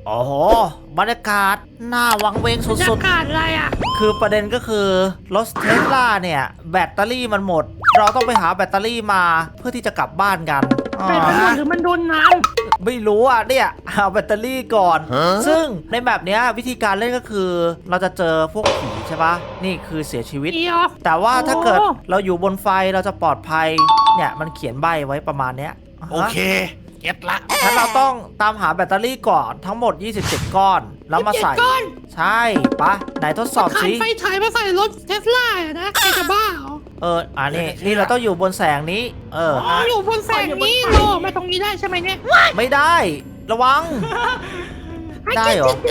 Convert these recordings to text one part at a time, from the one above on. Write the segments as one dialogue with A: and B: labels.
A: โอ้โหบรรยากาศน่าวังเวง
B: บรร
A: สุ
B: ยา
A: ด
B: กาศอะไรอ่ะ
A: ๆคือประเด็นก็คือรถเทสลาเนี่ยแบตเตอรี่มันหมด เราต้องไปหาแบตเตอรี่มาเพื่อที่จะกลับบ้านกันอ๋อ
B: เป็นมันหมดหรือมันโดนน้
A: ไม่รู้อ่ะเนี่ยเอาแบตเตอรี่ก่อน ซึ่งในแบบเนี้ยวิธีการเล่นก็คือ เราจะเจอพวกผีใช่ปะนี่คือเสียชีวิต
B: ำเดียว
A: แต่ว่าถ้าเกิด
B: โอ้
A: เราอยู่บนไฟเราจะปลอดภัยเนี่ยมันเขียนใบไว้ประมาณเนี้ย
C: โอเคเก็ตละ
A: งั้นเราต้องตามหาแบตเตอรี่ก่อนทั้งหมด 27 ก้อน แล้วมาใส่
B: เจ็ดก้อน
A: ใช่ปะไหนทดสอบ
B: ขาย
A: สิ
B: ไฟฉายมาใส่รถเทสลาอะนะใครจะบ้าเหรอ
A: นี่เราต้องอยู่บนแสงนี้
B: อ๋ออยู่บนแสงนี้โลมาตรงนี้ได้ใช่ไหมเนี่ย
A: ไม่ได้ระวัง ได้เหรอ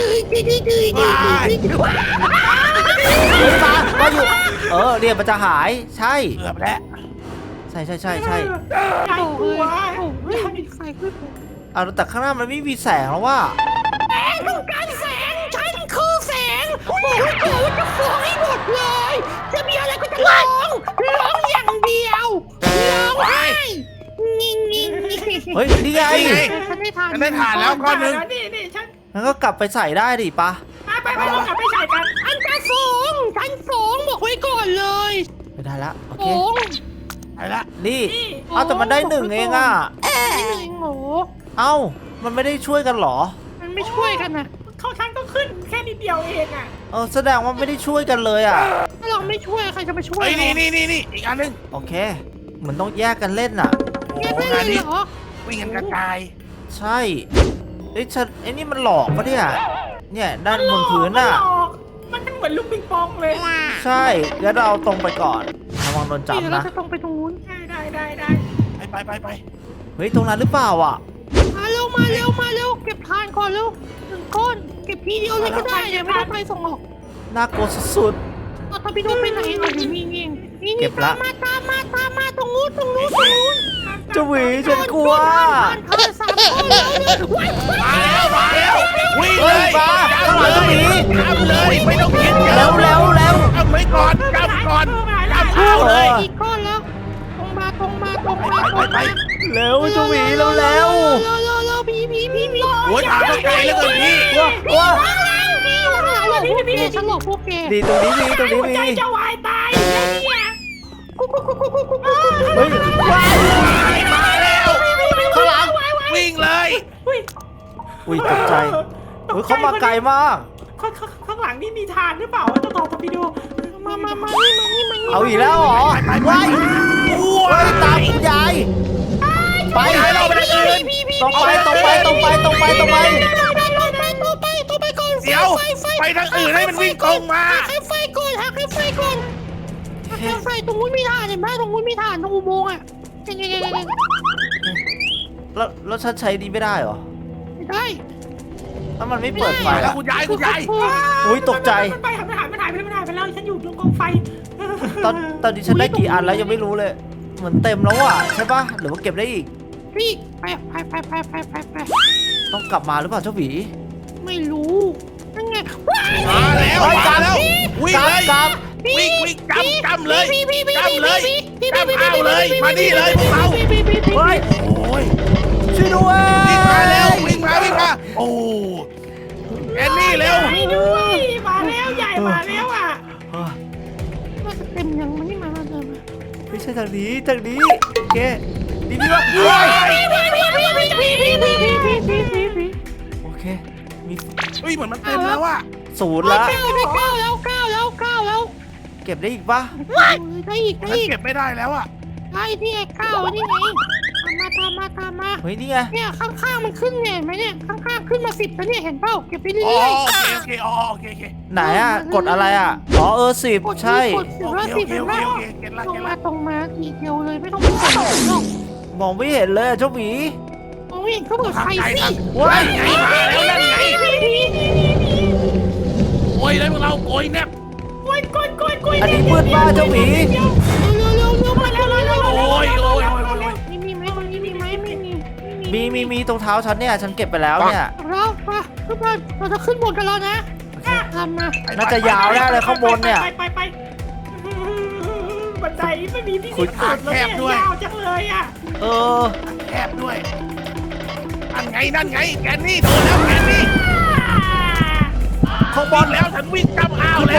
A: เฮ้ยมาอยู่เรียนมันจะหายใช่
C: เกือบแล้ว
A: ใช่
B: โอ้โหโอ้โหมีไฟขึ้น
A: เอาแต่ข้างหน้ามันไม่มีแสงแล้วว่า
B: ต้องการแสงฉันคือแสงโอ้โหจะฟ้องให้หมดเลย จะมีอะไรก็จะร้องอย่างเดียวร้องไห้งิ่ง
A: เฮ้ยนี่ไง
B: ฉันได้ทาน
C: ฉันได้ถ่านแล้วก้อนหนึ่ง
D: นี่ฉัน
A: งั้นก็กลับไปใส่ได้ดิปะ
D: ไปเรากลับไปใส่กัน
B: อันจะสูงฉันสูงบอกไว้ก่อนเลย
A: ไม่ได้ละโอเค
B: สูง
C: ไปละ
A: นี่เอาแต่มันได้หนึ่งเองอ่ะ
B: ไม่หนึ่งโห
A: เอ้ามันไม่ได้ช่วยกันเหรอ
B: มันไม่ช่วยกันนะ
D: เขาฉันก็ขึ้นแค่นิดเดียวเองอ่ะ
A: แสดงว่าไม่ได้ช่วยกันเลยอ่ะ
B: ถ้าเราไม่ช่วยใครจะมาช่วย
C: เฮ้ยนี่อีกอันหนึง
A: โอเคเหมือนต้องแยกกันเล่นอ่ะ
C: โอ้
B: แยก
C: โห
B: ไม่
C: งาน
B: เลย
C: นี้
B: เหรอ
C: วิ่งกันกระจาย
A: ใช่ไอ้นี่มันหลอกปะเนี่ยด้านบนพื้นอ่ะ
D: มันเหมือนลูกปิงปองเลย
A: ใช่งั้นเราตรงไปก่อนระวังโดน
B: เดี๋ยว
A: จับ
B: เรา
A: นะ
B: จะต้องไปตรงนู้น
D: ได้
C: ไป
A: เฮ้ยตรงนั้นหรือเปล่าอ่ะ
B: มาเร็วเก็บทานก่อนเร็วหนึ่งก้อนเก็บทีเดียวเลยก็ได้เนี่ยไม่ต้องไปส่งออก
A: น่ากลัวสุด
B: เอาตาพี่โดไปไหนเอาอยู่นี่
A: เก็บละ
B: ตามมาตรงนู้น
A: ๆเจะหวีฉันกลัว
B: ทานสามก้อนแล้วเนี่ยว้าย
C: มาแล้ววิ่ง
A: เฮ้
C: เลย ย
A: มาข้างหลังเจะหวี
C: จับเลยไม่ต้องคิดเยอะ
A: แล้ว
C: จับไว้ก่อนจับก่อนจับเข้าเลย
B: อีกก้อนแล้วตรงมา
C: ไป
A: เร็วเจะหวีแล้ว
B: เร็วผี
C: โอ้ยทางก็ไกลแล้วเกินพี่
A: ว้า
B: พี่ฉันหลอกพวกแก
A: ดีตรงนี้มี
D: ใจจะวายตายเนี่ย
A: เฮ้ยว้าย
C: มาแล้ว
A: ข้างหลัง
C: วิ่งเลย
A: อุ้ยตกใจเฮ้ยเขามาไกลมาก
D: ข้างหลังนี่มีทานหรือเปล่าจะต่อไปดู
B: มานี่
A: เอาอีกแล้วเหรอว้ายเฮ้ยตามคุณยายไป
C: เราไปทางอื่น
A: ตรงไป
B: ตัวไปก่อน
C: เดี๋ยวไปทางอื่นให้มันวิ่งตรงมา
B: ให้ไฟก่อนให้ไฟตรงนู้นมีฐานเห็นไหมตรงนู้นมีฐานตรงอุโมงค์อ่ะยัง
A: แล้วฉันใช้ดีไม่ได้เหรอ
B: ไม่ได้
A: ถ้ามันไม่เปิดไฟ
C: ไปแล้
A: อะ
C: วคุณยาย
A: อุ้ยตกใจ
D: มันหายไปแล้วฉันอยู่ตรงกองไฟ
A: ตอนนี้ฉันได้กี่อันแล้วยังไม่รู้เลย เหมือนเต็มแล้วอ่ะใช่ปะหรือว่าเก็บได้อีก
B: พี่ไป
A: ต้องกลับมาหรือเปล่าเจ้าหวี
B: ไม่รู้นั่นไงว้าย
C: มาแล้วมาแล้ววิ่งเลย
A: กลับ
C: วิ่งจำเลย
B: พี่
C: จำเลยจำเอาเลยมานี่เลยพวกเรา
A: เฮ้ย
C: โอ้ย
A: ช่วยด้วย
C: วิ่งมาแล้ววิ่งมาโอ้แอนนี่เร็ว
D: ไม่ด้วยมาแล้วใหญ่มาแล้วอ่ะ
A: เฮ้ย
B: น่าจะเต็มยังมันนี่มาเดิม
A: ไม่ใช่ทางนี้โอเคดีพี่ว่า
C: ว้าย
A: โอเคมี
C: เฮ้ยเหมือนมันเต็มแล้วอะ
A: ศูนย์
B: แล้
A: ละ
B: ว
A: เก็บได้อีกปะ
B: ได้อีก
C: ฉันเก็บไม่ได้แล้วอะ
B: ได้ที่ไอ้ก้าวนี่ไงตามมา
A: เฮ้ยนี่ไง
B: เนี่ยข้างๆมันขึ้นเนี่ยเห็นไหมเนี่ยข้างๆขึ้นมา10แล้วเนี่ยเห็นเปล่าเก็บไปเรื่
C: อ๋อ
B: อย
C: โอเคโอเค
A: ไหนอ่ะกดอะไรอ่ะอ๋อ10
B: ๆกด
A: ใช่
B: กด10แล้ว10เห็นเปล่า
C: เก็ตละ
B: ตรงมาทีเดียวเลยไม่ต้องไปกดหรอก
A: มองไม่เห็นเลยอะเจ้าหวี
B: มองไม่เห็นก็เปิดไฟสิ
A: ว้าย
C: ไงมาแล้วนั่นไงโอ้ยเลยพวกเราโอยแนบ
D: กล้วย
A: อันนี้มืดมากเจ้าหวี
B: เร็วมาเร็ว
C: โอ้ย
B: มีไหมตรงนี้มีไหมไม่มี
A: มีตรงเท้าฉันเนี่ยฉันเก็บไปแล้วเนี่ย
B: เราขึ้นมาเราจะขึ้นบนกันแล้วนะทำมา
A: น่าจะยาวแน่เลยข้างบนเนี่ย
D: ไปบันไดไม่มีที่สุดเลยยาวจังเลยอ่ะ
A: เออ
C: แคบด้วยนั่นไงแกนนี่โดนแล้วแกนนี่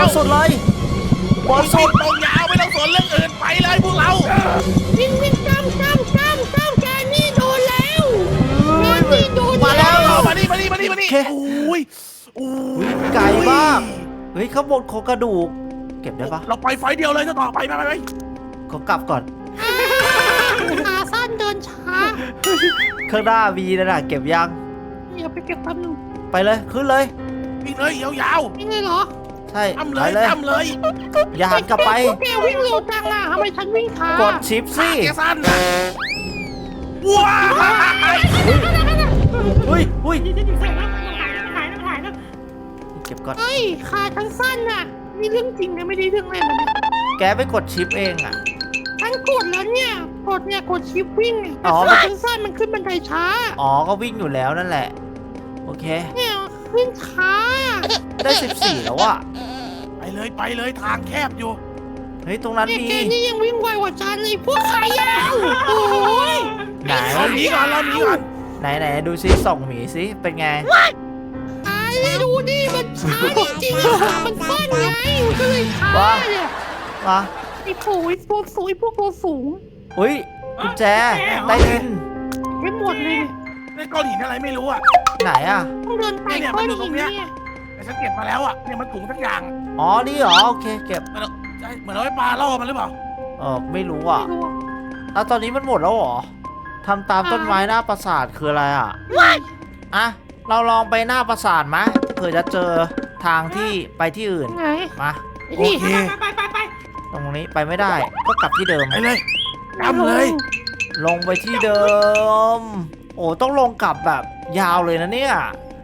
A: นสุดเลยบนสุด
C: ตรงยาวไม่ต้องสนเรื่องอื่นไปเลยพวกเรา
B: วิ่งวิ่งจ้ำแกนี่โดนแล้วแกนี่โดน
A: มาแล้ว
C: เอามานี่โอ้ย
A: ไกลมากเฮ้ยข้างบนโครงกระดูกเก็บได้ปะ
C: เราไปไฟเดียวเลยจะต่อไป
A: ขอกลับก่อน
B: ขาสั้นเดินช้า
A: ข้างหน้ามีนะน่ะเก็บยัง
B: เดี๋ยวไปเก็บแป๊บนึง
A: ไปเลยขึ้นเลย
C: วิ่งเลยยาว
B: นี่เลยเหรอ
A: ใช่
C: ๆทำ
A: ไป
C: เลย
A: เลย
C: ทำเลย
A: อย่าหันกลับไป
B: แกวิ่งเร็วจังอ่ะทำไมฉันวิ่งช้าก
A: ดชิปสิ
C: แกสั้นนะว้าว
A: อุ้ย
D: ฉันอยู่แสงแล้วมันหายแล้ว
A: เก็บก่อน
B: เฮ้ยขาฉันสั้นอ่ะนี่เรื่องจริงนะไม่ได้เรื่องเล่นนะ
A: แกไปกดชิปเองอ่ะ
B: ฉันกดแล้วเนี่ยกดชิปวิ่งเนี่ย
A: อ๋อ
B: ขาฉันสั้นมันขึ้นบันไดช้า
A: อ๋อก็วิ่งอยู่แล้วนั่นแหละ โอเค
B: เนี่ยขึ้นช้า
A: ได้14แล้วอ่ะ
C: ไปเลยทางแคบอยู่
A: เฮ้ยตรงนั้น
B: เนี่ย
A: มี
B: แกนี่ยังวิ่งไวกว่าฉันเลยพวกขายาวโอ้ย
A: ไหน
C: เราหนีก่อน
A: ไหนดูซิส่องหมีซิเป็นไง
B: ไอ้ดูดิมันช้าจริงๆอะขามันสั้นไงมันก็เลยช้า
A: ว้า
B: เนี่ย
A: มา
B: ไอ้โผล่ตัวสูงไอ้พวกตัวสูง
A: อุ้ยกุญแจใต้ดิน
B: ไม่หมดเลย
C: ในก้อนหินอะไรไม่รู้อ่ะ
A: ไหนอ่ะ
B: ต้องเดินไป
C: เนี่ย
B: ก้
C: มั
B: อน น
C: อยู่ตร
B: หิน
C: งเนี้ย
B: เนี่ย
C: แต่ฉันเก็บมาแล้วอ่ะเนี่ยมันถุงสักอย่าง
A: อ๋อนี่เหรอโอเคเก็บ
C: เหมือนเอาไว้ปลาล่อมันหรือเปล่า
A: ไม่รู้อ่ะ
B: ไม่รู้อะ
A: แล้วตอนนี้มันหมดแล้วเหรอทำตามต้นไม้หน้าปราสาทคืออะไรอ่ะอ่ะเราลองไปหน้าปราสาทไหมเผื่อจะเจอทางที่ไปที่อื่น
B: ไง
A: มา
B: ไอ้
C: โอ
B: นี่
C: เค
D: ไป
A: ตรงนี้ไปไม่ได้ ก็กลับที่เดิม
C: ไปเลยทำเลย
A: ลงไปที่เดิม โอ้ต้องลงกลับแบบยาวเลยนะเนี่ย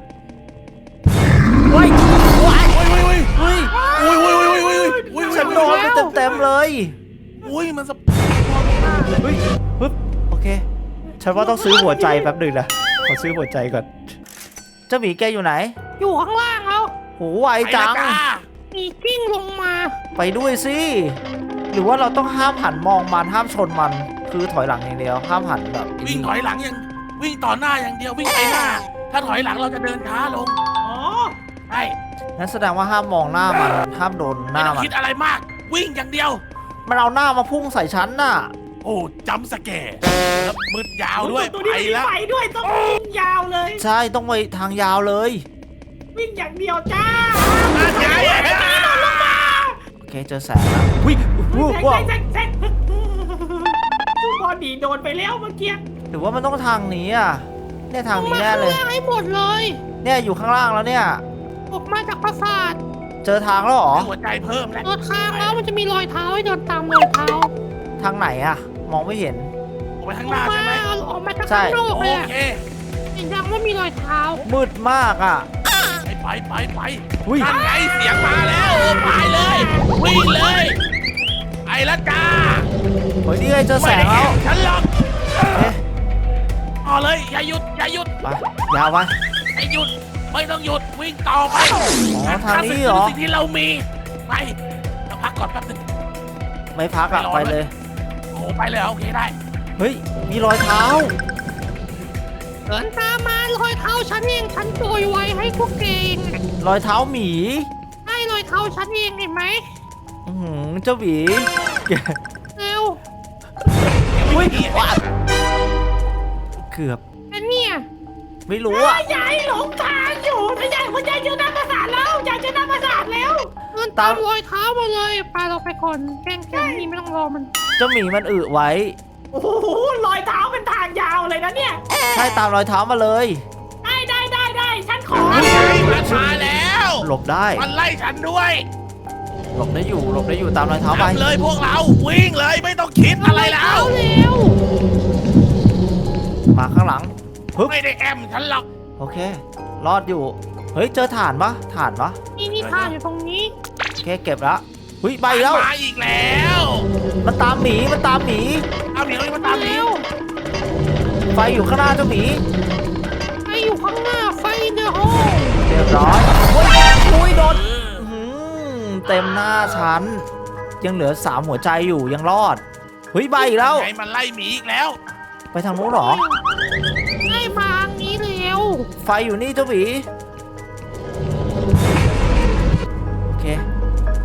A: เฮ้ยว้ายเฮ้ย
C: อุ้ย
A: ฉันโดนไปเต็มๆเลย
C: อุ้ยมันสะ
A: เฮ้ยปึ๊บโอเค ฉันว่าต้องซื้อหัวใจแป๊บหนึ่งนะ ขอซื้อหัวใจก่อน เจ้าหมีแกอยู่ไหน
B: อยู่ข้างล่างแล้ว
A: โหไวจัง
B: มีกิ้งลงมา
A: ไปด้วยสิ หรือว่าเราต้องห้ามหันมองมันห้ามชนมัน คือถอยหลังอย่างเดียว ห้ามหันแบบ
C: วิ่งถอยหลังอย่างวิ่งต่อหน้าอย่างเดียววิ่งไปหน้า ถ้าถอยหลังเราจะเดินช้าลง
D: อ๋อ
C: ใช่
A: งั้นแสดงว่าห้ามมองหน้ามัน ห้ามโดนห
C: ไม่
A: น้า
C: ต้อง
A: มัน
C: คิดอะไรมาก วิ่งอย่างเดียว
A: มันเอาหน้ามาพุ่งใส่ฉันน่ะ
C: โอ้จำสแกร์แล้วมืดยาวด้วย
D: ตัว
C: ไป
D: นี้มี
C: แล้ว
D: ไฟด้วยต้องวิ่งยาวเลย
A: ใช่ต้องไปทางยาวเลย
D: วิ่งอย่างเดียวจ้า
A: โอเคเจอแสงแล้ววิว้าว
D: แซงบอดีโดนไปแล้วเมื่อกี้
A: หรือว่ามันต้องทางนี้อ่ะ เนี่ยทางนี้แน่เลย
B: ออกมาข้างล่างให้หมดเลย
A: เนี่ยอยู่ข้างล่างแล้วเนี่ย
B: ออกมาจากปราสาท
A: เจอทางแล้วเหรอ
C: หัวใจเพิ่มแล้ว
B: เดินทางแล้วมันจะมีรอยเท้าให้เดินตามรอยเท้า
A: ทางไหนอ่ะ มองไม่เห็น
C: ออกไปข้าง
B: อ
C: ห
B: อ
C: น้าก
B: มา
C: ใช่ไหม
B: ออกมาจาก
A: ใช่
B: ข้างนอก
C: โอ
B: เลยอะ
C: เค
B: เห็นยังว่ามีรอยเท้า
A: มืดมากอ่ะ
C: ไป
A: อุ้ย
C: นั่นไงเสียงมาแล้วไปเลย วิ่งเลยไปละจ้า
A: เฮ้ยนี่ไงเจอแสงแล้ว
C: ฉันหรอก
A: เอ๊ะ
C: ต่อเลยอย่าหยุด
A: ไปยาวไป
C: อย่าหยุดไม่ต้องหยุดวิ่งต่อไป
A: อ๋อทางนี้เหรอ
C: สิ่งที่เรามีไปเราพักก่อนแป๊บนึง
A: ไม่พักอ่ะไปเลย
C: โอ้ไปเลยโอเคได้
A: เฮ้ยมีรอยเท้า
B: เดินตามมารอยเท้าฉันเองฉันโปรยไว้ให้พวกเกง
A: รอยเท้าหมี
B: ให้รอยเท้าฉันเองเห็นไหม
A: อื้อหือเจ้าหมี
B: เร็ว
A: อุ้ยว้าเกือบ
B: อันเนี้ย
A: ไม่รู้อ่ะ
D: ยายหลงทางอยู่ถ้ายายคุณยายเจอหน้าประสาทแล้วยายเจอหน้าประสาทแล้ว
B: เดินตามรอยเท้ามาเลยพาเราไปก่อนแกล้งนี่ไม่ต้องรอมัน
A: เจ้าหมีมันอึไว้
D: โอ้โหรอยเท้าเป็นทางยาวเลยนะเนี่ย
A: ใช่ตามรอยเท้ามาเลย
D: ได้ฉันขอ
C: มันไงมันมาแล้ว
A: หลบได้
C: มันไล่ฉันด้วย
A: หลบได้อยู่ตามรอยเท้าไป
C: ทำเลยพวกเราวิ่งเลยไม่ต้องคิดอะไรแล้ว
B: เร็ว
A: มาข้างหลังปึ๊บ
C: ไม่ได้แอมฉันหรอก
A: โอเค รอดอยู่ เฮ้ยเจอถ่านปะ
B: นี่ทางอยู่ตรงนี้
A: โอเคเก็บแล้วเฮ้ยใบแล้ว
C: มาอีกแล้ว
A: มันตามหมี
C: เอาหนีมาตามหนี
B: เร็ว
A: ไฟอยู่ข้างหน้าเจ้าหมี
B: ไฟอยู่ข้างหน้าไฟเดอะโฮ
A: เรียบร้อยอุ้ยโดนอื้อหือเต็มหน้าฉัน ยังเหลือ3หัวใจอยู่ยังรอด เฮ้ยใบอีกแล้ว
C: ไงมันไล่หมีอีกแล้ว
A: ไปทางนู้นเหรอ
B: ให้มาทางนี้เร็ว
A: ไฟอยู่นี่เจ้าหมี โอเค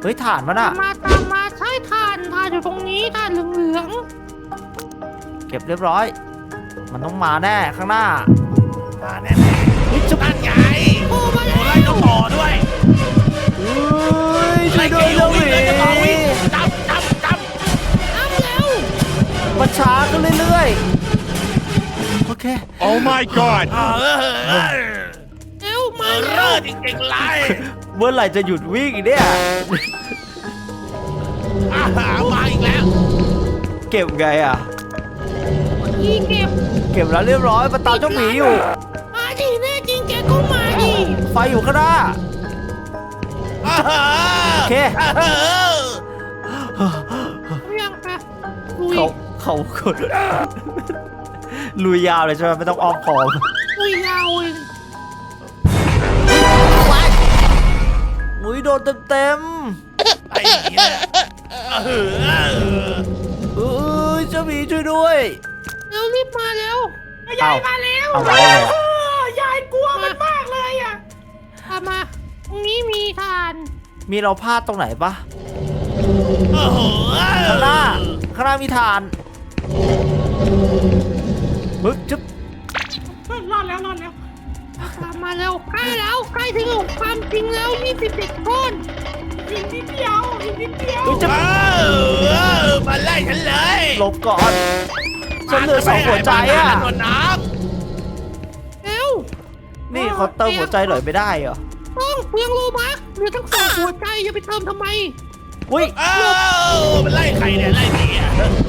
A: เฮ้ยถ่านมันอะ
B: ตามมาใช่ทานอยู่ตรงนี้ทานเหลือง
A: เก็บเรียบร้อย มันต้องมาแน่ข้างหน้า
C: มาแน่ๆนั่นไง
B: ๆโอ้มา
C: โอ้
B: แล้
C: ไล่
B: ว
C: เจ้าต่อด้วย
A: เฮ้ยช่
C: ไล่
A: วยด้
C: เก
A: วย
C: ลี
A: เจ้าห
C: วิ่ง
A: มี
C: เลยเจ้าต่อวิ่งจับ
B: ทำแล้ว
A: มันช้าขึ้นเรื่อยๆ โอเค
E: Oh my god!
B: เร็วมา
C: เร
B: แล้
C: อ
B: ว
C: จริงๆไล่
A: เมื่อไหร่จะหยุดวิ่งเนี่ย
C: มาอีกแล้ว
A: เก็บไงอะ
B: นี่เก็บ
A: เก็บแล้วเรียบร้อยมันตามเจ้าหมีอยู่
B: มาดิแน่จริงแกก็มาดิ
A: ไฟอยู่ข้างหน้า โอเค
B: เรื่องไปลุย
A: เขากด ลุยยาวเลยใช่ไหมไม่ต้องอ้อมคอม
B: ลุยยาวเอง
A: อุ้ยโดนเต็ม
C: ไอ้เหี้ย
A: ๆเอ้ยเจ้าหมีช่วยด้วย
B: เร็วรีบมาแล้ว
D: ยายมาแล้ว
A: เอามาได้ไง
D: ยายกลัวมันมากเลยอ่ะ
B: ตามมาตรงนี้มีทาน
A: มีเราพลาดตรงไหนปะ
C: โอ้โห
A: ข้างหน้ามีฐานมึกจึ๊บ
D: รอดแล้ว
B: ตามมาแล้วใกล้ถึงความจริงแล้ว27ก้อน
D: อีกนิดเดียว
A: มึกจึ๊บ
C: มาไล่ฉันเลย
A: หลบก่อนฉันเหลือสองหัวใจอ่ะ
C: หนวดน้
B: เร็ว
A: นี่เขาเติมหัวใจหน่อยไม่ได้เหรอ
B: ต้องเปลืองโลบัคเหลือทั้งสองหัวใจอย่าไปเติมทำไม
A: อุ้ย
C: มันไล่ใครเนี่ยไล่ผีอะ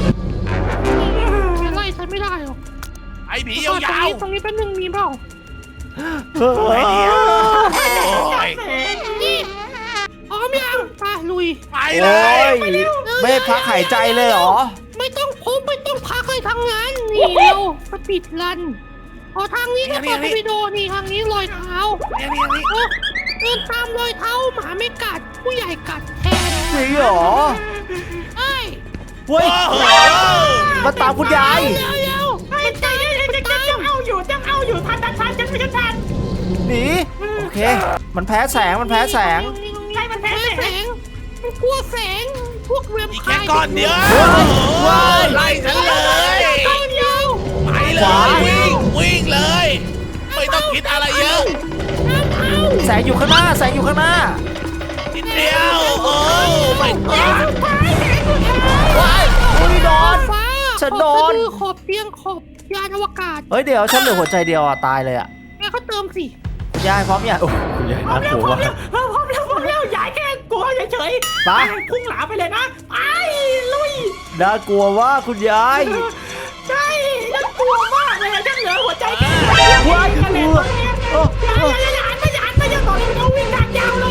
B: ไล่ฉันไม่ได้หรอก
C: ไอ้ผี
B: ตรง
C: ยาว
B: นี้ตรงนี้แป๊บนึงมีเปล่า
C: ๆไอ้เดียวโอ้ย
B: นี่พร้อมยังไปลุย
C: ไป
A: โอ้
C: เลย
A: ไม่ให้พักหายใจเลยเหรอ
B: ไม่ต้องพักเลยทางนั้นนี่เร็วสปีดรันพอทางนี้ก็เปิดวิดีโอนี่ทางนี้รอยเท้า
C: นี่
B: เดินตามรอยเท้าหมาไม่กัดผู้ใหญ่กัดแทน
A: จริงเหรอ
B: ไอ้
A: เฮ้ย
C: โอ้โห
A: มาตามคุณยาย
B: เร็ว
D: จะเอาอยู่ทันฉันไม่ทัน
A: หนีโอเค มันแพ้แสง มันแพ้แสง
D: ใช่มันแพ้
B: แสงมันกลัวแสงพวกแวม
C: อีก
B: ไพ
C: แค่
B: ร์
C: ก้อนเดียวไล่ฉันเลย
B: ก้อนเดียว
C: ไปเลยวิ่งเลย ไม่ต้องคิดอะไรเยอะ
B: น้ำเอา
A: แสงอยู่ข้างหน้า แสงอยู่ข้างหน้า
C: นิดเดียวโอ้ไม่กอด
A: ว้ายอุ้ยโดน
B: ฟ้า
A: ฉันโดน
B: ขอบเตียงขอบยานอวกาศ
A: เฮ้ยเดี๋ยวฉันเหลือหัวใจเดียวอ่ะตายเลยอ่ะ
B: แม่เขาเติมสิ
A: ยายพร้อมยังโอ้คุณยายน่ากลัวว่ะ
D: พร้อมแล้วยายแค่กลัวเฉย
A: ไป
D: พุ่งหลาไปเลยนะไปลุย
A: น่ากลัวว่าคุณยาย
D: ใช่น่ากลัวมากเลยฉันเหลือหัวใจแค่
A: ว้าย
D: กันเลย
A: เออ
D: ไม่จะต่อเลยเราวิ่งทางยาวเลย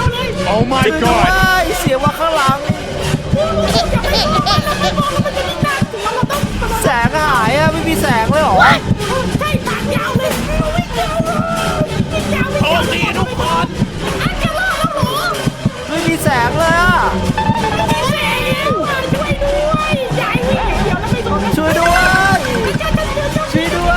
E: Oh my
A: ช่วยด้ว
E: god!
A: ยเสียงว่าข้างหลัง
D: อย่าไปมองมันจะยิ่งน่ากลัวเราต้อง
A: แสงหายอ่ะไม่มีแสงเลยเหรอ
D: ใช่ทางยาวเลยวิ่งยาวเลยวิ่งยาว
C: โชคดีทุกคน
D: จะรอดแล้วหรอ
A: ไม่มีแสงเลยอ่ะ
D: แสงช่วยด้วยยายวิ่งอย่างเดียวแล้วไม่โดน
A: ช่วยด้วย ช่วยด้วย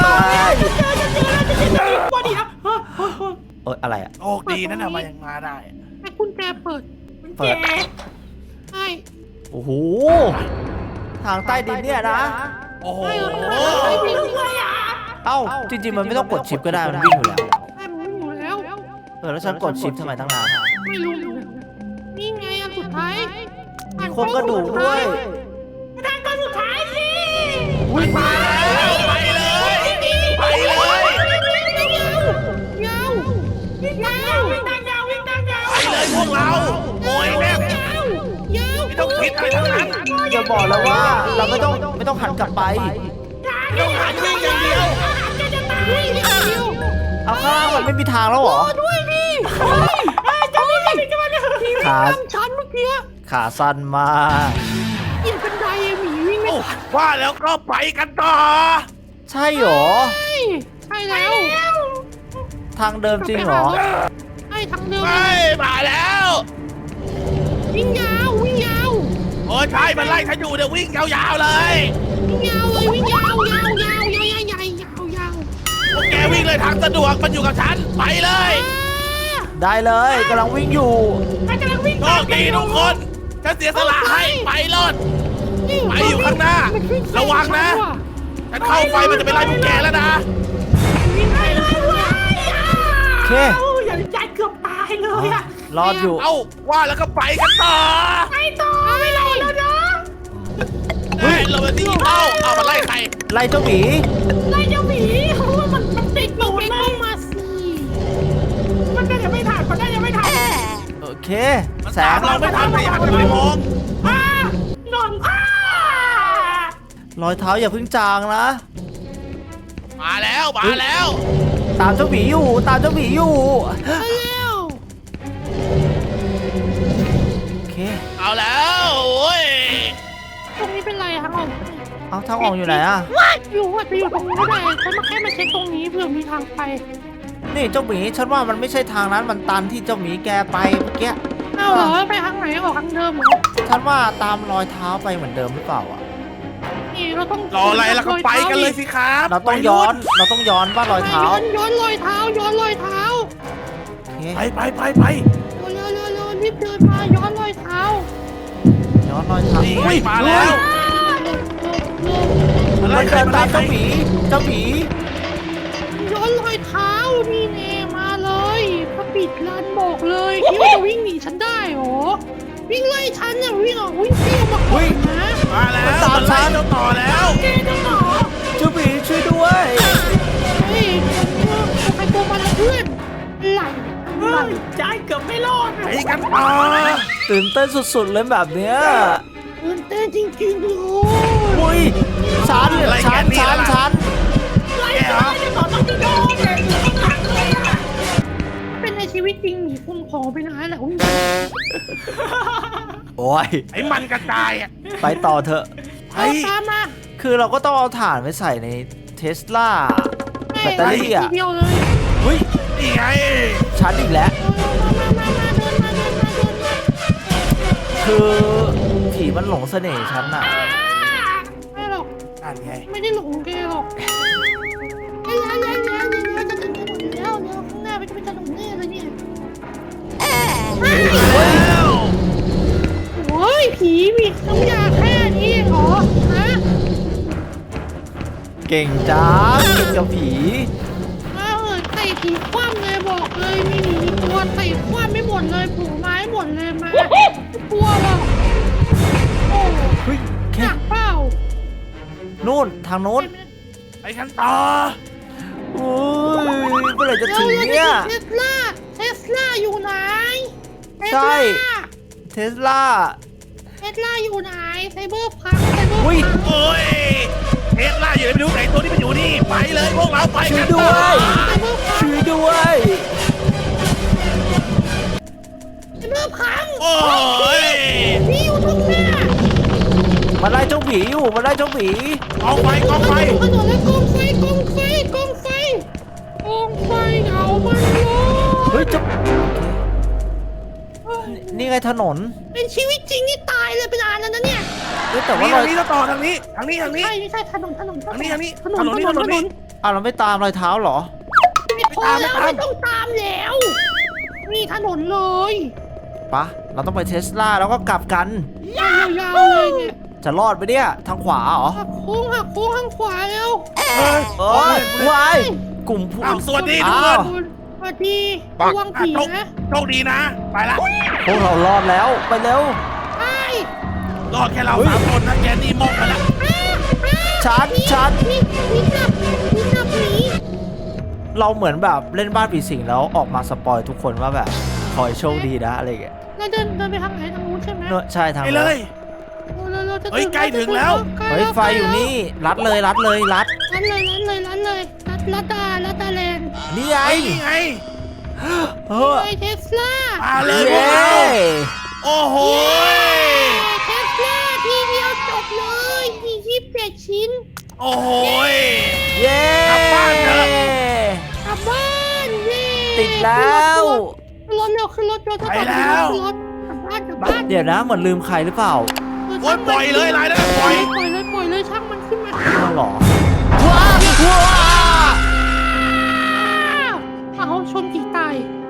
D: กลัวดิครับ
A: เอ้ยอะไรอ่ะ
C: โชคดีนั่นน่ะมายังมาได้
B: ให้กุญแจเปิด
A: เปิด
B: ใช่
A: โอ้โห ทางใต้ดินเนี่ยนะ
C: โอ้โห
D: ด้วยอ่ะ
A: เอ้า จริงๆ มันไม่ต้องกดชิปก็ได้ มันวิ่งอยู่แล้ว
B: ให้มันอยู่แล้ว
A: แล้วฉันกดชิปทำไมตั้งนาน
B: ไม่รู้นี่ไงอันสุดท้าย
A: มีโครงกระดูกด้วย
D: ทางก้อนสุดท้ายสิ
A: วิ่งมา
C: ไปเลยไปเลย
B: ยาว
D: วิ่งทางยาววิ่งทางยาว
C: ไปเลยพวกเราโอยแม่
B: ยาว
C: ไม่ต้องคิดอะไรทั้งนั้น
A: จะบอกแล้วว่าเราไม่ต้องหันกลับไป
C: ต้องหันวิ่งอย่างเดียว
B: วิ่งเดียว
A: เอาข้างล่างมันไม่มีทางแล้วเหรอ
B: ด้วยดิ
D: จะไม่ได้จะไม่ได้
A: ขา
B: ทำฉันเมื่อกี้
A: ขาสั้นมาก
B: เหยียบบันไดหมีวิ่งไม่
C: โอ้ว่าแล้วก็ไปกันต่อ
A: ใช่เหรอ
B: ใช่แล้ว
A: ทางเดิมจริงเหรอ
B: ใช่ทางเดิม
C: ไปมาแล้ว
B: วิ่งยาว
C: โอ้ใช่มันไล่ฉันอยู่เดี๋ยววิ่งยาวๆเลย
B: วิ่งยาวเลยวิ่งยาว
C: พวกแกวิ่งเลยทางสะดวกมันอยู่กับฉันไปเลย
A: ได้เลยกำลังวิ่งอยู่
D: ใครกำลังวิ่ง
C: โชคดีทุกคนฉันเสียสละให้ไปรอด ไปอยู่ข้างหน้าระวังนะ ฉันเข้าไฟมันจะไปไล่พวกแกแล้วนะ
D: วิ่งไปเลยเว้ย
A: โอเค
D: อย่าใจเกือบตายเลยอะ
A: รอดอยู่
C: เอ้าว่าแล้วก็ไปกันต่อ
D: ไปต่อไม่รอแล้วนะ
C: เฮ้ยเราไปที่เอามาไล่ใคร
A: ไล่เจ้าหมี
D: ไล่เจ้าหมีเพราะว่ามันติดหนูเลยมาสิมันน่าจะไม่ทันมันน่าจะไม่ทัน
A: โอเค
C: มัน
A: แส
C: ตาม
A: ง
C: เราไม่ทันแต่อยากจะไปมอง
D: นอน
A: รอยเท้าอย่าเพิ่งจางนะ
C: มาแล้วมาแล้ว
A: ตามเจ้าหมีอยู่ตามเจ้าหมีอยู่
B: แล้ว
A: โอเค
C: เอาแล้วโอ้ย
B: ตรงนี้เป็นไรทางออก
A: เอาทางออกอยู่ไหนอะ
B: อยู่ว่าจะอยู่ตรงนี้ก็ได้ฉันมาแค่มาเช็คตรงนี้เผื่อมีทางไป
A: นี่เจ้าหมีฉันว่ามันไม่ใช่ทางนั้นมันตันที่เจ้าหมีแกไปเมื่อกี้
B: เอาเหรอไปทางไหนออกทางเดิมเหรอ
A: ฉันว่าตามรอยเท้าไปเหมือนเดิมหรือเปล่าอะ
B: นี่เราต้อง
C: รออะไรล่ะก็ไปกันเลยสิครับ
A: เราต้องย้อนว่ารอยเท้า
B: ย้อนรอยเท้าย้อนรอยเท้า
A: โอเค
C: ไป
B: เร็วรีบเดินมาย้อนรอยเท้า
A: ย้อนรอยเท้า
C: นี่ไงมาแล้ว
A: มัน
C: ไล่ใคร
A: เดิน
C: มา
A: ตา
C: ไล่
A: ม
C: ใคร
A: เจ้าหมี
B: ย้อนรอยเท้านี่เนมาเลยพระปิดร้านบอกเลยคิดว่าจะวิ่งหนีฉันได้เหรอวิ่งไล่ฉันเนี่ยวิ่งออกวิ่งเที่ยวมาก่อนนะ
C: มาแล้วมันไล่เจ้าต่อแล้ว
A: เจ้าหมีช่วยด้วย
B: เฮ้ยใครตัวมาแล้วเพื่อนไหล
D: ใจเกือบไม่รอด
C: ไปกันต่อ
A: ตื่นเต้นสุดๆเลยแบบเนี้ย
B: ตื่นเต้นจริงๆเลย
A: อุ้ยชัน
C: แกเหรอ
B: เป็นในชีวิตจริงหนีคุณของไปนานแล้ว
A: โอ้ย
C: ไอ้มันกระจายอ่ะ
A: ไปต่อเถอะ
C: ไป
B: เอาตามมา
A: คือเราก็ต้องเอาถ่านไปใส่ในเทสลาแบตเตอรี่
B: ที
A: อ่ะ
B: เดียวเลย
A: อุ้ย
C: นี่ไง
A: ชันอีกแล้ว
B: มาเดินมา
A: คือผีมันหลงเสน่ห์ฉันอ่ะ
B: ไม่หรอก
C: นั่นไง
B: ไม่ได้หลงแกหรอกจะถึงถนนแล้วเดี๋ยวข้างหน้าจะเป็นถนนแน่เลยเนี่ย
C: แล้ว
B: โอ้ยผีมีน้ำยาแค่นี้เหรอฮะ
A: เก่งจ้ากินกับผี
B: มาเอิดใส่ผีคว่ำเลยบอกเลยมีหนีตัวใส่คว่ำไม่หมดเลยผูไม้หมดเลยมาไม่กลัวหรอกโอ้
A: เฮ้ย
B: ห
A: แค่
B: นักเปล่า
A: นู่นทางนู้น
C: ไปกันต่อ
A: อุ้ยเมื่อไหร่จะ
B: เร็ว
A: ถึง
B: เรา
A: เนี่ย
B: เทสลาอยู่ไหน
A: ใช่ เทสลา
B: เทสลาอยู่ไหนไซเบอร์พังไซเบอร์
A: อุ้ย
B: พัง
C: โอ้ยเทสลาอยู่ไหนไม่รู้ไหนตัวนี้มันอยู่นี่ไปเลยพวกเราไป
A: ช่ว
C: กั
A: ย
C: น
A: ด้
C: ต่อ
A: วย
B: ไซเบอร์พัง
A: ช่วยด้วย
B: ไซเบอร์พัง
C: โอ้ย
B: นี่อยู่ตรงหน้า
A: มันไล่เจ้าผีอยู่มันไล่เจ้าผี
C: กองไฟกองไฟ
B: ถนนแล้วกองไฟกองไฟกองไฟกองไฟเอามันเลย
A: เฮ้ยเจ้านี่ไงถนน
B: เป็นชีวิตจริงนี่ตายเลยเป็นอันแล้วนะเนี่ย
A: เฮ้ยแต่ว่า
C: นี่
A: รอ
C: ทาย งนี้ก็ต่อทางนี้ทางนี้
B: ไม่ใช่ถนน
C: ทางนี้
B: ถนน
A: อ้าวเราไม่ตามรอยเท้าเหรอ
B: ไม่พอแล้วไม่ต้องตามแล้วนี่ถนนเลย
A: ปะเราต้องไปเทสลาแล้วก็กลับกัน
B: ยาวๆเลยเนี่ย
A: จะรอดไปเนี่ยทางขวาเหรอ
B: หักโค้งข้างขวาแล้ว
C: เฮ้ย
A: เอ้ยวายกลุ่มผู้
C: อ้าวสวัสดีทุก
A: อ้า
C: ค
A: วน
B: สวัสดีระวังผีนะ
C: โชคดีนะ ไปละ
A: พวกเรารอดแล้วไปเร็ว
B: ไอ้
C: รอดแค่เราสามคนนะแกนี่มองไปแล้ว
A: ชัด
B: นี่จับหนี
A: เราเหมือนแบบเล่นบ้านผีสิงแล้วออกมาสปอยทุกคนว่าแบบขอให้โชคดีนะอะไรอย่างเงี้ย
B: เราเดินไปทางไหนทางนู้นใช่ไหม
A: เนอะใช่ทาง
C: ไป
A: นั้น
C: เลย
B: เราจะ
C: เฮ้ยใกล้ถึงแล้ว
A: เฮ้ยไฟอยู่นี่รัดเลยรัด
B: รัดดาแลนด์
A: นี่ไง
C: ไอ้นี่ไง
A: เออ
B: ไอเทสลา
C: มาเลยพว
A: เย้
C: กเราโอ้โห
B: เทสลาทีเดียวจบเลย27ชิ้น
C: โอ้โห
A: เย้
C: กลับบ้านเถอะ
B: กลับบ้านเย้
A: ติดแล้ว
B: ขึ้นรถเร็วขึ้นรถเร็วถ้า
C: ไป
B: ตอน
C: แล้
B: นี้
C: ว
B: ขึ้นรถกลับบ้าน
A: เดี๋ยวนะเหมือนลืมใครหรือเปล่า
C: โอ้ยปล่อยเลยรายได้ปล่อย
B: ปล่อยเลยช่างมันขึ้นมา
A: อ้าวเหรอว้าวว้าว
B: เอาชนผีตาย